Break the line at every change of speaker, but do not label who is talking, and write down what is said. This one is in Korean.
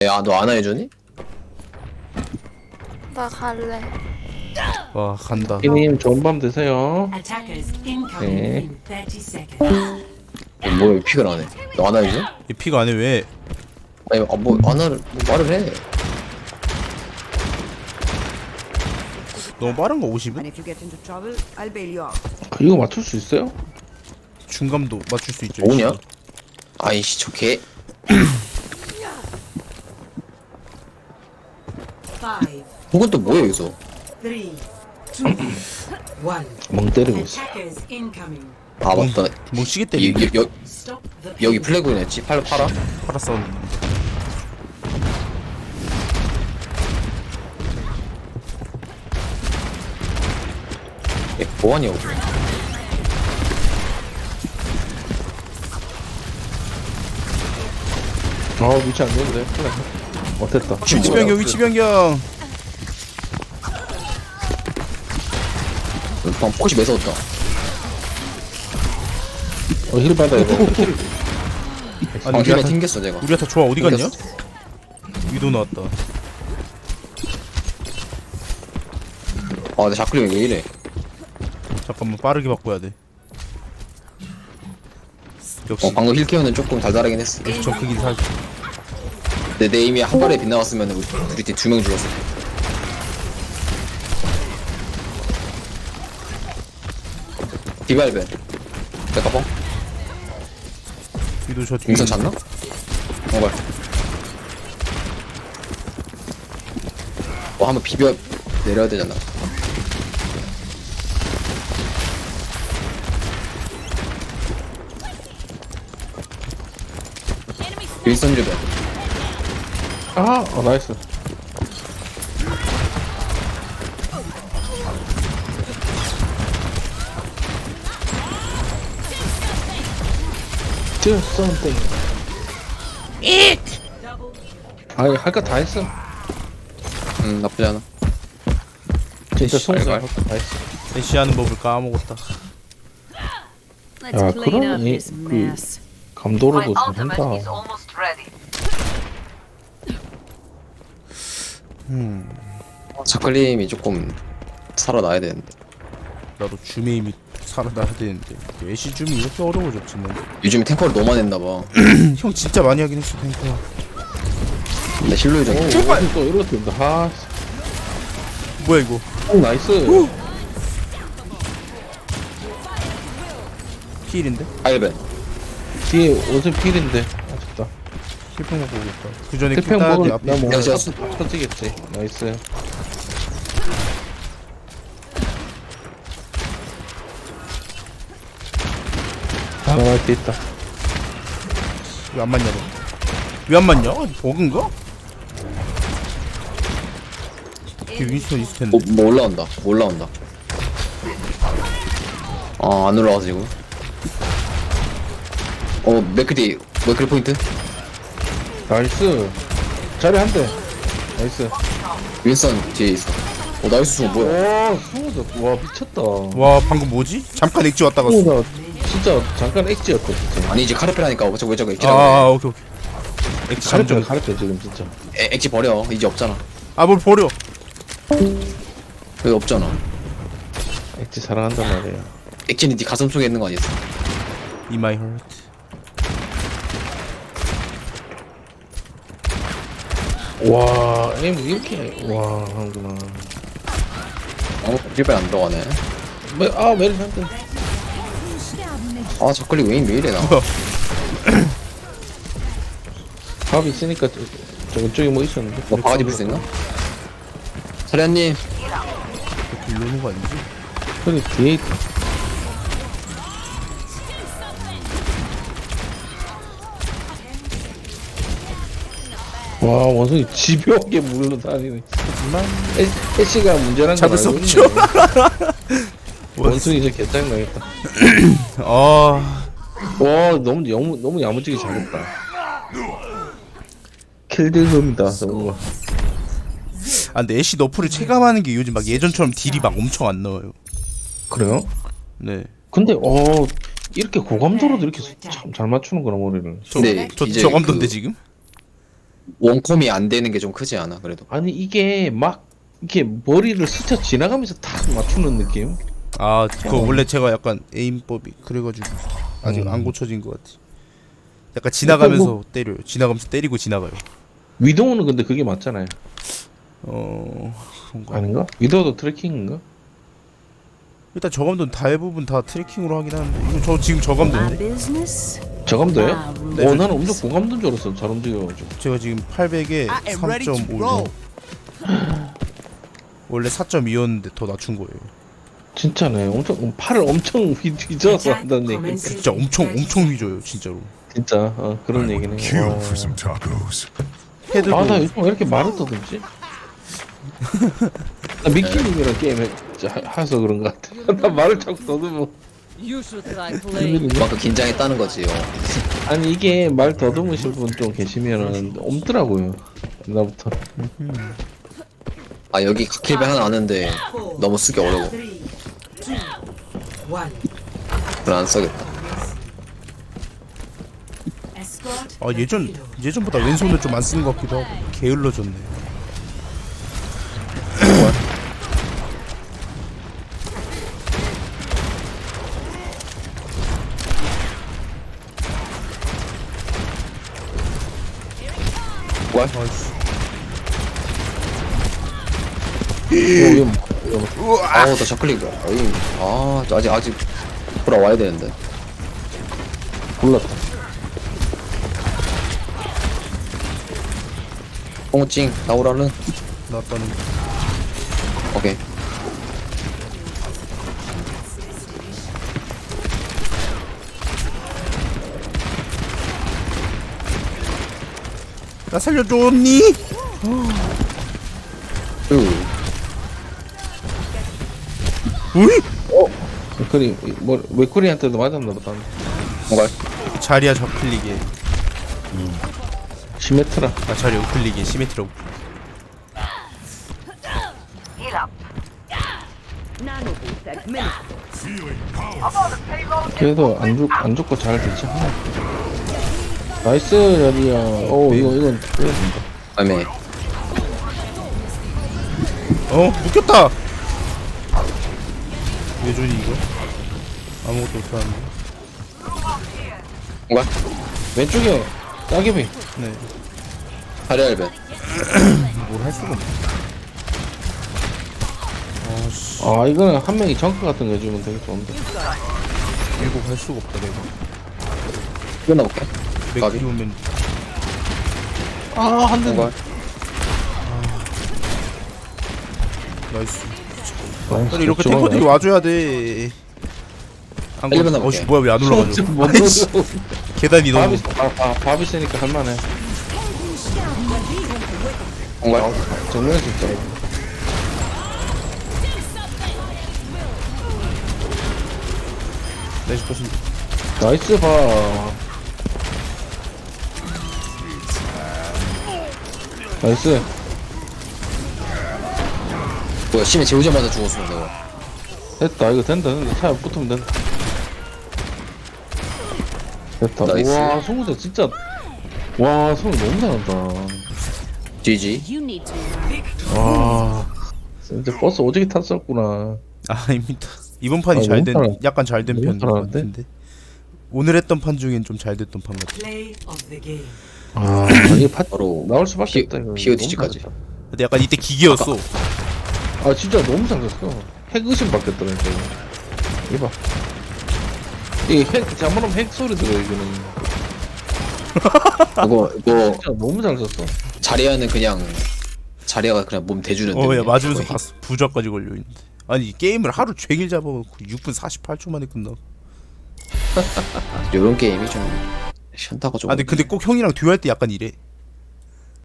야, 너 안 해주니?
나 갈래.
와 간다.
님 좋은 밤 되세요.
Attackers incoming
네.
in 30 seconds.
뭐야, 픽을 안 해? 너 안 해주니?
이 피가 안해 왜?
아니, 뭐, 안 하를, 뭐 말을 해.
너무 빠른 거 50은?
And if you get into trouble, I'll bail you out.
이거 맞출 수 있어요?
중감도 맞출 수 있죠.
뭐냐? 아이씨, 저 개.
5,
혹은 또 뭐야, 여기서?
3, 2, 1.
멍 때리고 있어.
Attackers incoming.
아, 맞다.
뭐 시계 때리네.
Stop the
여기 플래그였지? 팔아?
팔아 싸우는.
뭐하냐고.
위치 안 좋은데? 그래. 어땠다?
위치 변경 위치 변경.
방금 포커시 매서웠다.
힐 받아야 돼.
아니
아,
우리가
힐에
다,
튕겼어, 내가.
우리가 다 좋아 어디 갔냐?
튕겼어.
위도 나왔다.
아, 내 자클링이 왜 이래?
잠깐만 빠르게 바꿔야 돼. 역시
방금 힐 케어는 조금 달달하긴 했어.
저 크긴 살지.
내 에임이 한 발에 빗나갔으면 우리 팀 2명 죽었을 때. 디발벤. 내가 뻥?
위도 저 뒤에.
윈선 잤나? 정말. 뭐 한번 비벼 내려야 되잖아. 윈선 주변.
나이스. Do something. 아니 할 거 다 했어.
나쁘지 않아.
진짜
이씨,
송사
알갈.
할거 다 했어.
대시하는 법을 까먹었다.
Let's
야,
clean
그럼
up
이-
this mess.
감도로도 잘한다.
자클림이 조금 살아나야 되는데.
나도 주메임이 살아나야 되는데 애쉬 줌이 이렇게 어려워졌지는.
요즘에 탱커를 너무 많이 했나봐.
형 진짜 많이 하긴 했어 탱커.
근데 실로이 좀.
또 이렇게 된다.
뭐야 이거?
나이스.
필인데?
아이벤.
뒤에 옷은 필인데. 아쉽다.
필평 먹고 오겠다. 그 전에
태평
킬따야 돼
먹을
앞에.
나뭐
내가 지었어.
터지겠지. 나이스. 나갈 때 있다.
왜 안 맞냐 너? 왜 안 맞냐? 버그인가? 이게 윈스턴 있을 텐데.
뭐 올라온다. 뭐 올라온다. 안 올라와서 지금. 맥크디, 맥크리 포인트?
나이스. 자리 한 대. 나이스.
윈선 뒤에 있어. 나이스 수 뭐야?
와, 승우다. 와, 미쳤다.
와 방금 뭐지? 잠깐 액지 왔다 갔어.
승우다. 진짜 잠깐 엑지였다, 진짜.
아니, 이제 카르페라니까. 왜 저거 액지라고
오케이. 액지
가르쳐,
잠정.
가르쳐, 지금 진짜.
해. 액지 버려. 이제 없잖아.
뭘 버려?
왜 없잖아.
엑지 사랑한단 말이야.
액지는 네 가슴 속에 있는 거 아니었어?
In my heart.
와, 에임 이렇게. 와, 하는구나.
힐벨 안 들어가네.
메리 한 대.
자클리 왜 이래, 나.
밥 있으니까 저쪽에 뭐 있었는데.
뭐 바가지 불 수 있나? 사련님.
이렇게 이러는 거 아니지?
저기 뒤에 있다. 와, 원숭이 집요하게 물러다니네.
하지만
애쉬가 문제란 거
잡을 수
알고
없죠.
있네. 원숭이 이제 개짱나겠다.
아
와, 너무 야무지게 잘했다. 킬딜금이다, 너무.
근데 애쉬 너프를 체감하는 게 요즘 막 예전처럼 딜이 막 엄청 안 나와요.
그래요?
네.
근데 이렇게 고감도로도 이렇게 참 잘 맞추는구나, 머리를.
근데
저
이제
저감도인데
그-
지금?
원컴이 안 되는 게 좀 크지 않아 그래도.
아니 이게 막 이렇게 머리를 스쳐 지나가면서 탁 맞추는 느낌?
아 그거 원래 제가 약간 에임법이 그래가지고 아직 안 고쳐진 것 같아. 약간 지나가면서 때려요. 지나가면서 때리고 지나가요.
위도우는 근데 그게 맞잖아요.
그런가?
아닌가? 위도우도 트래킹인가?
일단 저감도는 대부분 다 트래킹으로 하긴 하는데 이거 저 지금 저감도인데
business.
저감도예요?
네,
나는 엄청 고감도인 줄 알았어. 잘 움직여가지고.
제가 지금 800에 3.5 원래 4.2였는데 더 낮춘 거예요.
진짜네. 엄청 팔을 엄청 뒤져서 한다는 얘기.
진짜 엄청 휘져요 진짜로.
진짜 그런 얘기네.
Kill for some tacos.
헤드도
아나 요즘 왜 이렇게 말을 더듬지? 나 미키님이랑 게임 해서 그런 것 같아. 나 말을 자꾸 더듬어.
You should try playing.
그만큼 긴장했다는 거지요.
아니 이게 말 더듬으신 분 좀 계시면은 없더라고요. 나부터.
아 여기 킬배 하나 아는데 너무 쓰기 어려워.
3, 2, 1.
그래 안 써겠다.
Escort.
아 예전보다 왼손을 좀 안 쓰는 것 같기도 하고 게을러졌네.
와. 아우 나 저클릭. 저 아직 돌아와야 되는데.
골랐다.
뽕찡 나오라는.
나왔다는
오케이.
나 살려줬니? 우이?
맥커리 뭐 맥커리한테도 맞았나 보다.
뭔가
자리야 저클릭에
시메트라.
아 자리야 우클릭에 시메트라
Nano boost administered.
그래도 안 죽고 잘 되지. 나이스 자리야. 이건 빼야 된다.
아메.
묶였다. 왜 주니 이거? 아무것도 못하는데.
뭔가
왼쪽에 따개비.
네.
하리알벤.
뭘 할 수가 없네.
이거는 한 명이 정크 같은 거 해주면 되게 좋은데.
밀고 갈 수가 없다 내가.
끊어볼게.
맥 키우면
한 대.
뭔가
나이스. 아니 이렇게 탱커들이 와줘야 돼. 안 가.
일본 나볼게.
뭐야 왜 안 올라가죠? 계단이 너무.
밥이 세니까 할만해.
뭔가
정면에서 진짜.
나이스 컷인데.
나이스 봐. 나이스.
뭐야 심해 재우자마자 죽었어 내가.
됐다. 이거 된다. 차에 붙으면 된다. 됐다.
나이스.
와, 송우대 진짜. 와, 송우 너무 잘한다.
GG.
You need to
와. 진짜 버스 오지게 탔었구나.
아닙니다. 이번 판이
너무 잘하-
약간 잘 된
너무
편인 것
잘하는데?
같은데. 오늘 했던 판 중엔 좀 잘 됐던 판 같아.
Play of the game.
이게 파
바로
나올 수밖에 없다. 이거.
POTG까지.
너무 잘했다.
근데 약간 이때 기계였어.
진짜 너무 잘했어. 핵 의심 받겠더라 이거. 이봐. 이핵 잘못하면 핵 소리 들어 이거는.
이거
진짜 너무 잘 썼어.
자리야가 그냥 몸 대주는데.
야 맞으면서
거의.
갔어. 부자까지 걸려 있는데. 아니 게임을 하루 종일 잡아놓고 6분 48초 만에 끝나.
요런 게임이 좀 현타가 좀.
근데 꼭 형이랑 듀오할 때 약간 이래.